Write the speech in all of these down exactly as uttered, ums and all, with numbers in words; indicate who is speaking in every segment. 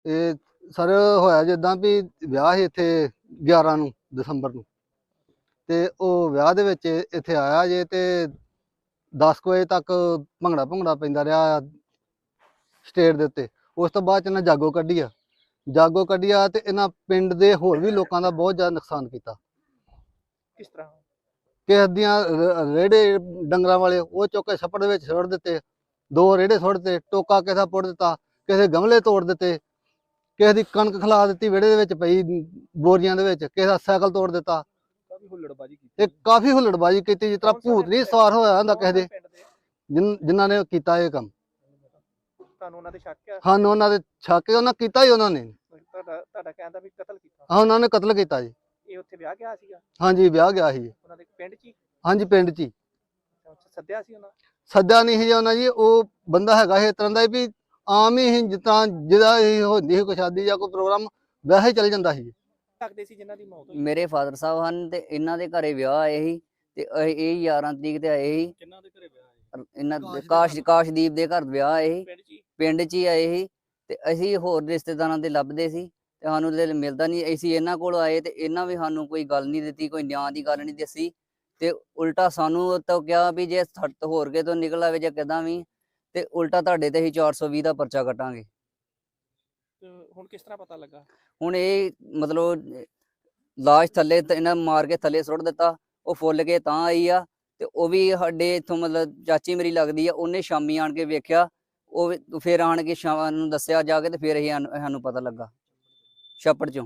Speaker 1: ਇਹ ਸਰ ਹੋਇਆ ਜਿੱਦਾਂ ਵੀ ਵਿਆਹ ਸੀ ਇੱਥੇ ਗਿਆਰਾਂ ਨੂੰ ਦਸੰਬਰ ਨੂੰ, ਤੇ ਉਹ ਵਿਆਹ ਦੇ ਵਿੱਚ ਇੱਥੇ ਆਇਆ ਜੇ ਤੇ ਦਸ ਕੁ ਵਜੇ ਤੱਕ ਭੰਗੜਾ ਭੰਗੜਾ ਪੈਂਦਾ ਰਿਹਾ ਸਟੇਜ ਦੇ ਉੱਤੇ। ਉਸ ਤੋਂ ਬਾਅਦ 'ਚ ਇਹਨਾਂ ਜਾਗੋ ਕੱਢੀ ਆ ਜਾਗੋ ਕੱਢੀ ਆ ਤੇ ਇਹਨਾਂ ਪਿੰਡ ਦੇ ਹੋਰ ਵੀ ਲੋਕਾਂ ਦਾ ਬਹੁਤ ਜ਼ਿਆਦਾ ਨੁਕਸਾਨ ਕੀਤਾ।
Speaker 2: ਕਿਸ ਤਰ੍ਹਾਂ?
Speaker 1: ਕਿਸੇ ਦੀਆਂ ਰ- ਰੇੜੇ ਡੰਗਰਾਂ ਵਾਲੇ ਉਹ ਚੁੱਕ ਕੇ ਛੱਪੜ ਦੇ ਵਿੱਚ ਸੁੱਟ ਦਿੱਤੇ, ਦੋ ਰੇੜੇ ਸੁੱਟ ਦਿੱਤੇ, ਟੋਕਾ ਕਿਸੇ ਦਾ ਪੁੱਟ ਦਿੱਤਾ, ਕਿਸੇ ਦੇ ਗਮਲੇ ਤੋੜ ਦਿੱਤੇ, ਕਿਸੇ ਦੀ ਕਣਕ ਖਿਲਾ ਦਿੱਤੀ ਵਿਹੜੇ ਦੇ ਵਿੱਚ ਪਈ ਬੋਰੀਆਂ ਦੇ ਵਿੱਚ, ਕਿਸੇ ਦਾ ਸਾਈਕਲ ਤੋੜ ਦਿੱਤਾ।
Speaker 2: ਕਾਫੀ ਹੁੱਲੜਬਾਜੀ ਕੀਤੀ।
Speaker 1: ਇਹ ਕਾਫੀ ਹੁੱਲੜਬਾਜੀ ਕੀਤੀ, ਜਿਸ ਤਰ੍ਹਾਂ ਭੂਤ ਨਹੀਂ ਸਵਾਰ ਹੋਇਆ ਹੁੰਦਾ ਕਿਸੇ ਦੇ, ਜਿਨ ਜਿਨ੍ਹਾਂ ਨੇ ਕੀਤਾ ਇਹ ਕੰਮ।
Speaker 2: ਤੁਹਾਨੂੰ ਉਹਨਾਂ ਦੇ ਸ਼ੱਕ ਆ?
Speaker 1: ਹਨ ਉਹਨਾਂ ਦੇ ਛੱਕ ਉਹਨਾਂ ਕੀਤਾ ਹੀ ਉਹਨਾਂ ਨੇ।
Speaker 2: ਤੁਹਾਡਾ ਤੁਹਾਡਾ ਕਹਿੰਦਾ ਵੀ ਕਤਲ ਕੀਤਾ?
Speaker 1: ਹਾਂ ਉਹਨਾਂ ਨੇ ਕਤਲ ਕੀਤਾ ਜੀ।
Speaker 2: ਇਹ ਉੱਥੇ ਵਿਆਹ ਗਿਆ ਸੀਗਾ?
Speaker 1: ਹਾਂਜੀ ਵਿਆਹ ਗਿਆ ਸੀ।
Speaker 2: ਉਹਨਾਂ ਦੇ ਪਿੰਡ 'ਚ ਹੀ?
Speaker 1: ਹਾਂਜੀ ਪਿੰਡ 'ਚ ਹੀ।
Speaker 2: ਅੱਛਾ, ਸੱਦਿਆ ਸੀ ਉਹਨਾਂ?
Speaker 1: ਸੱਦਿਆ ਨਹੀਂ ਸੀ ਜੀ ਉਹਨਾਂ ਜੀ, ਉਹ ਬੰਦਾ ਹੈਗਾ ਇਸ ਤਰ੍ਹਾਂ ਦਾ ਵੀ ਆਮ ਹੀ ਸੀ, ਜਿਸ ਤਰ੍ਹਾਂ ਜਿਹਦਾ ਇਹ ਹੁੰਦੀ ਸੀ ਕੋਈ ਸ਼ਾਦੀ ਜਾਂ ਕੋਈ ਪ੍ਰੋਗਰਾਮ ਵੈਸੇ ਹੀ ਚੱਲ ਜਾਂਦਾ ਸੀ।
Speaker 2: ਲੱਗਦੇ ਸੀ ਜਿਨ੍ਹਾਂ ਦੀ ਮੌਤ ਹੋਈ?
Speaker 3: ਮੇਰੇ ਫਾਦਰ ਸਾਹਿਬ ਹਨ ਤੇ ਇਹਨਾਂ ਦੇ ਘਰੇ ਵਿਆਹ ਆਏ ਸੀ ਤੇ ਇਹ ਇਹ ਗਿਆਰਾਂ ਤਰੀਕ ਤੇ ਆਏ ਸੀ।
Speaker 2: ਕਿੰਨਾਂ ਦੇ ਘਰੇ ਵਿਆਹ ਹੈ?
Speaker 3: ਇਹਨਾਂ ਦੇ ਕਾਸ਼ ਕਾਸ਼ਦੀਪ ਦੇ ਘਰ ਵਿਆਹ ਆਏ ਸੀ,
Speaker 2: ਪਿੰਡ 'ਚ ਹੀ?
Speaker 3: ਪਿੰਡ 'ਚ ਹੀ ਆਏ ਸੀ ਤੇ ਅਸੀਂ ਹੋਰ ਰਿਸ਼ਤੇਦਾਰਾਂ ਦੇ ਲੱਭਦੇ ਸੀ ਤੇ ਸਾਨੂੰ ਤੇ ਮਿਲਦਾ ਨਹੀਂ। ਅਸੀਂ ਇਹਨਾਂ ਕੋਲ ਆਏ ਤੇ ਇਹਨਾਂ ਵੀ ਸਾਨੂੰ ਕੋਈ ਗੱਲ ਨਹੀਂ ਦਿੱਤੀ, ਕੋਈ ਨਿਆਂ ਦੀ ਗੱਲ ਨਹੀਂ ਦੱਸੀ ਤੇ ਉਲਟਾ ਸਾਨੂੰ ਤਾਂ ਕਿਹਾ ਵੀ ਜੇ ਸੱਟ ਹੋਰ ਕੇ ਤੋਂ ਨਿਕਲ ਆਵੇ ਜਾਂ ਕਿਦਾਂ ਵੀ ਤੇ ਉਲਟਾ ਤੁਹਾਡੇ ਤੇ ਅਸੀਂ ਚਾਰ ਸੌ ਵੀਹ ਦਾ ਪਰਚਾ ਕੱਟਾਂਗੇ।
Speaker 2: ਤੇ ਹੁਣ ਕਿਸ ਤਰ੍ਹਾਂ ਪਤਾ ਲੱਗਾ?
Speaker 3: ਹੁਣ ਇਹ ਮਤਲਬ ਲਾਸ਼ ਥੱਲੇ ਤ- ਇਹਨਾਂ ਮਾਰ ਕੇ ਥੱਲੇ ਸੁੱਟ ਦਿੱਤਾ, ਉਹ ਫੁੱਲ ਕੇ ਤਾਂ ਆਈ ਆ ਤੇ ਉਹ ਵੀ ਸਾਡੇ ਇੱਥੋਂ ਮਤਲਬ ਚਾਚੀ ਮੇਰੀ ਲੱਗਦੀ ਆ, ਉਹਨੇ ਸ਼ਾਮੀ ਆਣ ਕੇ ਵੇਖਿਆ, ਉਹ ਵੀ- ਫਿਰ ਆਣ ਕੇ ਸ਼ਾਮ ਨੂੰ ਦੱਸਿਆ ਜਾ ਕੇ ਤੇ ਫਿਰ ਅਸੀਂ ਸਾਨੂੰ ਸਾਨੂੰ ਪਤਾ ਲੱਗਾ ਛੱਪੜ ਚੋਂ।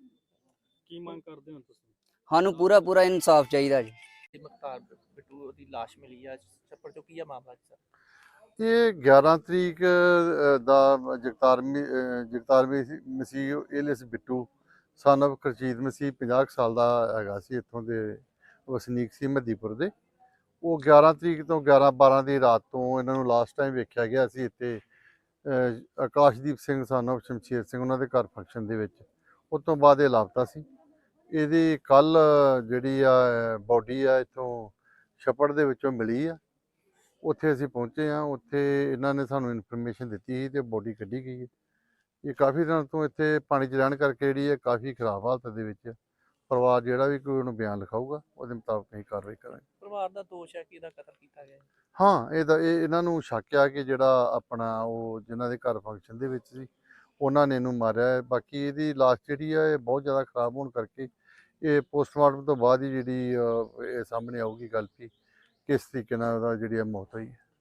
Speaker 2: ਕੀ ਮੰਗ ਕਰਦੇ ਹੋ ਤੁਸੀਂ?
Speaker 3: ਸਾਨੂੰ ਪੂਰਾ ਪੂਰਾ ਇਨਸਾਫ ਚਾਹੀਦਾ ਜੀ।
Speaker 2: ਮੁਖਤਾਰ ਬਿੱਟੂ ਦੀ ਲਾਸ਼ ਮਿਲੀ ਆ ਛੱਪੜ ਚੋਂ, ਕੀ ਆ ਮਾਮਲਾ ਜੀ ਸਰ?
Speaker 4: ਇਹ ਗਿਆਰਾਂ ਤਰੀਕ ਅ, ਦਾ ਜਗਤਾਰ ਮੀ- ਅ, ਜਗਤਾਰ ਮੀ- Masih alias Bittu son of Karjeet Masih ਪੰਜਾਹ ਕੁ ਸਾਲ ਦਾ ਹੈਗਾ ਸੀ, ਇੱਥੋਂ ਦੇ ਵਸਨੀਕ ਸੀ ਮੱਦੀਪੁਰ ਦੇ। ਉਹ ਗਿਆਰਾਂ ਤਰੀਕ ਤੋਂ ਗਿਆਰਾਂ ਬਾਰਾਂ ਦੀ ਰਾਤ ਤੋਂ ਇਹਨਾਂ ਨੂੰ ਲਾਸਟ ਟਾਈਮ ਵੇਖਿਆ ਗਿਆ ਸੀ ਇੱਥੇ ਅ, ਆਕਾਸ਼ਦੀਪ ਸਿੰਘ ਸਨ of ਸ਼ਮਸ਼ੇਰ ਸਿੰਘ ਉਹਨਾਂ ਦੇ ਘਰ ਫੰਕਸ਼ਨ ਦੇ ਵਿੱਚ। ਉਸ ਤੋਂ ਬਾਅਦ ਇਹ ਲਾਪਤਾ ਸੀ। ਇਹਦੀ ਕੱਲ ਜਿਹੜੀ ਆ ਬੋਡੀ ਆ ਇੱਥੋਂ ਛੱਪੜ ਦੇ ਵਿੱਚੋਂ ਮਿਲੀ ਆ। ਉੱਥੇ ਅਸੀਂ ਪਹੁੰਚੇ ਹਾਂ, ਉੱਥੇ ਇਹਨਾਂ ਨੇ ਸਾਨੂੰ ਇਨਫੋਰਮੇਸ਼ਨ ਦਿੱਤੀ ਸੀ ਤੇ ਬੋਡੀ ਕੱਢੀ ਗਈ ਹੈ। ਇਹ ਕਾਫੀ ਦਿਨ ਤੋਂ ਇੱਥੇ ਪਾਣੀ 'ਚ ਰਹਿਣ ਕਰਕੇ ਜਿਹੜੀ ਹੈ ਕਾਫੀ ਖਰਾਬ ਹਾਲਤ ਦੇ ਵਿੱਚ ਹੈ। ਪਰਿਵਾਰ ਜਿਹੜਾ ਵੀ ਕੋਈ ਉਹਨੂੰ ਬਿਆਨ ਲਿਖਾਊਗਾ ਉਹਦੇ ਮੁਤਾਬਕ ਅਸੀਂ ਕਾਰਵਾਈ ਕਰਾਂਗੇ।
Speaker 2: ਪਰਿਵਾਰ ਦਾ ਦੋਸ਼ ਹੈ ਕਿ ਇਹਦਾ ਕਤਲ ਕੀਤਾ ਗਿਆ ਹੈ।
Speaker 4: ਹਾਂ ਇਹਦਾ ਇਹ ਇਹਨਾਂ ਨੂੰ ਸ਼ੱਕ ਆ ਕਿ ਜਿਹੜਾ ਆਪਣਾ ਉਹ ਜਿਨ੍ਹਾਂ ਦੇ ਘਰ ਫੰਕਸ਼ਨ ਦੇ ਵਿੱਚ ਸੀ ਉਹਨਾਂ ਨੇ ਇਹਨੂੰ ਮਾਰਿਆ ਹੈ। ਬਾਕੀ ਇਹਦੀ ਲਾਸ਼ ਜਿਹੜੀ ਆ ਇਹ ਬਹੁਤ ਜ਼ਿਆਦਾ ਖਰਾਬ ਹੋਣ ਕਰਕੇ ਇਹ ਪੋਸਟਮਾਰਟਮ ਤੋਂ ਬਾਅਦ ਹੀ ਜਿਹੜੀ ਅ, ਇਹ ਸਾਹਮਣੇ ਆਊਗੀ ਗੱਲ ਵੀ ਕਿਸ ਤਰੀਕੇ ਨਾਲ ਉਹਦਾ ਜਿਹੜੀ ਆ ਮੌਤ ਹੋਈ ਹੈ।